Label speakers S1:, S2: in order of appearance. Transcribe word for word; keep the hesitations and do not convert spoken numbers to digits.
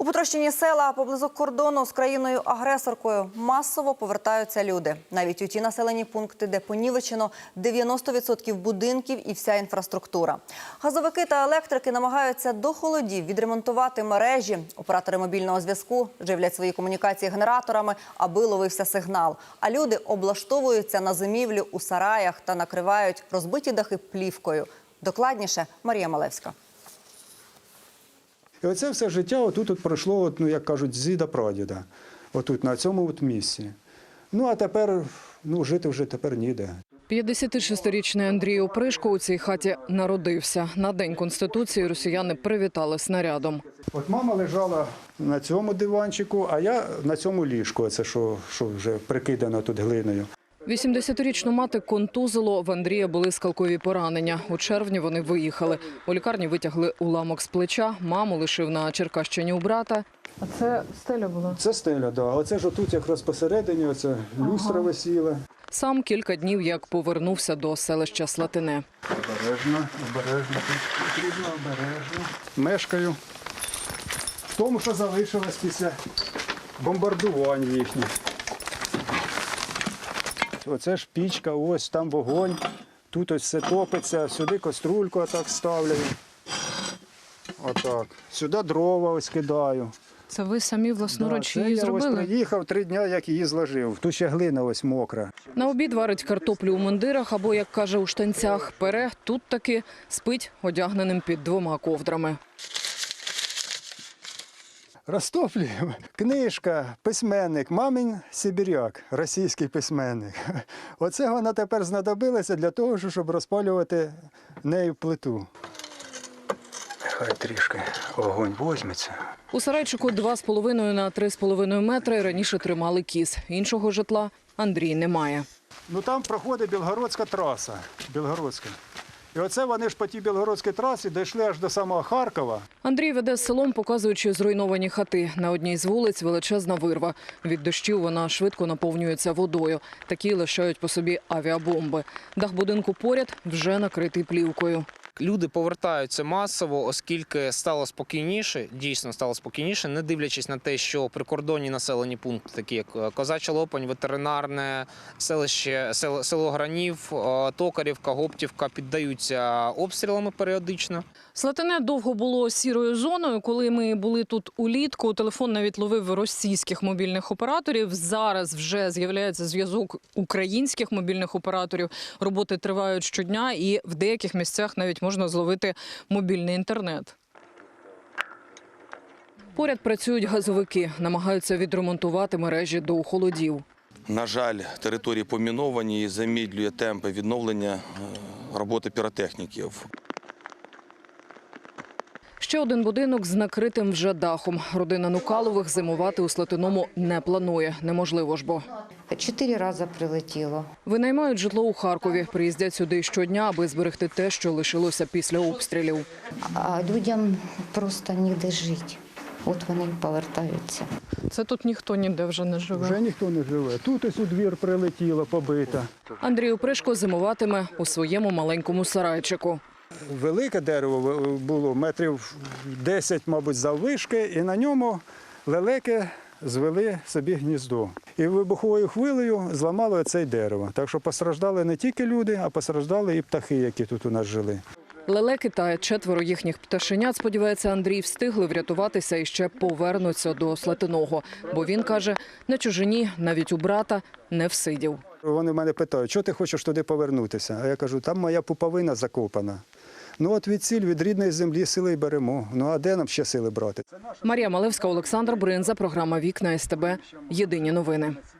S1: У потрощені села поблизу кордону з країною-агресоркою масово повертаються люди. Навіть у ті населені пункти, де понівечено дев'яносто відсотків будинків і вся інфраструктура. Газовики та електрики намагаються до холодів відремонтувати мережі. Оператори мобільного зв'язку живлять свої комунікації генераторами, аби ловився сигнал. А люди облаштовуються на зимівлю у сараях та накривають розбиті дахи плівкою. Докладніше Марія Малевська.
S2: І оце все життя отут от пройшло, от, ну, як кажуть, з діда прадіда, отут, на цьому от місці. Ну, а тепер, ну, жити вже тепер ніде.
S3: п'ятдесятишестирічний Андрій Опришко у цій хаті народився. На День Конституції росіяни привітали снарядом.
S2: От мама лежала на цьому диванчику, а я на цьому ліжку, це що, що вже прикидано тут глиною.
S3: вісімдесятирічну мати контузило, в Андрія були скалкові поранення. У червні вони виїхали. У лікарні витягли уламок з плеча, маму лишив на Черкащині у брата. А це стеля була?
S2: Це стеля, так. Да. Оце ж отут якраз посередині, оце люстра ага. висіла.
S3: Сам кілька днів як повернувся до селища Слатине.
S2: Обережно, обережно, потрібно обережно. Мешкаю в тому, що залишилось після бомбардувань їхніх. Оце ж пічка, ось там вогонь, тут ось все топиться, сюди каструльку отак ставлю. Отак. Сюди дрова ось кидаю.
S3: Це ви самі власноруч
S2: да,
S3: її
S2: я
S3: зробили?
S2: Я ось приїхав три дні, як її зложив. Тут ще глина ось мокра.
S3: На обід варить картоплю у мундирах або, як каже, у штанцях. Пере тут таки спить одягненим під двома ковдрами.
S2: Розтоплюємо. Книжка, письменник, мамин сибіряк, російський письменник. Оце вона тепер знадобилася для того, щоб розпалювати нею плиту. Хай трішки огонь візьметься.
S3: У сарайчику два з половиною на три з половиною метри раніше тримали кіз. Іншого житла Андрій не має.
S2: Ну там проходить Білгородська траса. Білгородська. І оце вони ж по тій Білгородській трасі дійшли аж до самого Харкова.
S3: Андрій веде селом, показуючи зруйновані хати. На одній з вулиць величезна вирва. Від дощів вона швидко наповнюється водою. Такі лишають по собі авіабомби. Дах будинку поряд вже накритий плівкою.
S4: Люди повертаються масово, оскільки стало спокійніше, дійсно стало спокійніше, не дивлячись на те, що прикордонні населені пункти, такі як Козача Лопань, ветеринарне, селище, село, село Гранів, Токарівка, Гоптівка піддаються обстрілами періодично.
S3: Слатине довго було сірою зоною. Коли ми були тут улітку, телефон навіть ловив російських мобільних операторів. Зараз вже з'являється зв'язок українських мобільних операторів. Роботи тривають щодня і в деяких місцях навіть можна зловити мобільний інтернет. Поряд працюють газовики, намагаються відремонтувати мережі до холодів.
S5: На жаль, території поміновані і замедлює темпи відновлення роботи піротехніків.
S3: Ще один будинок з накритим вже дахом. Родина Нукалових зимувати у Слатиному не планує. Неможливо ж бо.
S6: Чотири рази прилетіло.
S3: Винаймають житло у Харкові. Приїздять сюди щодня, аби зберегти те, що лишилося після обстрілів.
S6: А людям просто ніде жити. От вони повертаються.
S3: Це тут ніхто ніде вже не живе?
S2: Вже ніхто не живе. Тут ось у двір прилетіло, побита.
S3: Андрій Опришко зимуватиме у своєму маленькому сарайчику.
S2: Велике дерево було, метрів десять, мабуть, заввишки, і на ньому лелеки звели собі гніздо. І вибуховою хвилею зламало це дерево. Так що постраждали не тільки люди, а постраждали і птахи, які тут у нас жили.
S3: Лелеки та четверо їхніх пташенят, сподівається Андрій, встигли врятуватися і ще повернуться до Слатиного. Бо він каже, на чужині, навіть у брата, не всидів.
S2: Вони мене питають, що ти хочеш туди повернутися? А я кажу, там моя пуповина закопана. Ну от від ціль, від рідної землі сили й беремо. Ну а де нам ще сили брати?
S3: Марія Малевська, Олександр Бринза, програма «Вікна СТБ». Єдині новини.